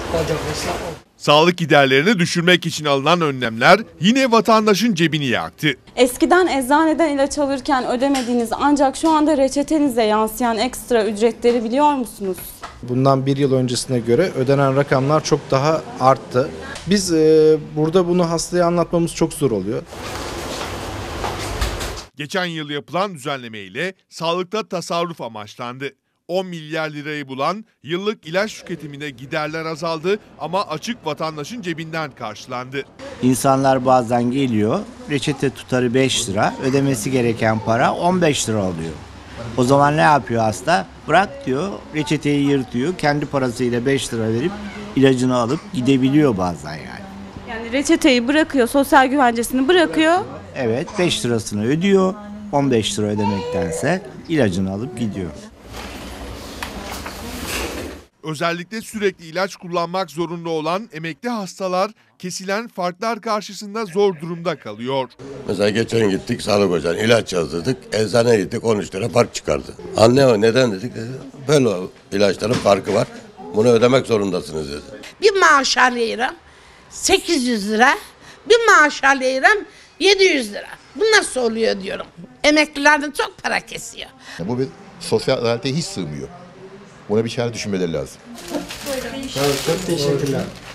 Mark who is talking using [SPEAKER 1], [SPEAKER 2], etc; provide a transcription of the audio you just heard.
[SPEAKER 1] Sağlık giderlerini düşürmek için alınan önlemler yine vatandaşın cebini yaktı.
[SPEAKER 2] Eskiden eczaneden ilaç alırken ödemediğiniz ancak şu anda reçetenize yansıyan ekstra ücretleri biliyor musunuz?
[SPEAKER 3] Bundan bir yıl öncesine göre ödenen rakamlar çok daha arttı. Biz burada bunu hastaya anlatmamız çok zor oluyor.
[SPEAKER 1] Geçen yıl yapılan düzenleme ile sağlıkta tasarruf amaçlandı. 10 milyar lirayı bulan yıllık ilaç tüketimine giderler azaldı ama açık vatandaşın cebinden karşılandı.
[SPEAKER 4] İnsanlar bazen geliyor, reçete tutarı 5 lira, ödemesi gereken para 15 lira oluyor. O zaman ne yapıyor hasta? Bırak diyor, reçeteyi yırtıyor, kendi parasıyla 5 lira verip ilacını alıp gidebiliyor bazen yani.
[SPEAKER 2] Yani reçeteyi bırakıyor, sosyal güvencesini bırakıyor.
[SPEAKER 4] Evet, 5 lirasını ödüyor, 15 lira ödemektense ilacını alıp gidiyor.
[SPEAKER 1] Özellikle sürekli ilaç kullanmak zorunda olan emekli hastalar kesilen farklar karşısında zor durumda kalıyor.
[SPEAKER 5] Mesela geçen gittik sağlık ocağına ilaç yazdırdık. Eczaneye gittik 13 lira fark çıkardı. Anne neden dedik? Böyle ilaçların farkı var. Bunu ödemek zorundasınız dedi.
[SPEAKER 6] Bir maaş alıyorum 800 lira. Bir maaş alıyorum 700 lira. Bu nasıl oluyor diyorum. Emeklilerden çok para kesiyor.
[SPEAKER 7] Bu bir sosyal adalete hiç sığmıyor. Buna bir çare düşünmeleri lazım.
[SPEAKER 3] Çok teşekkürler.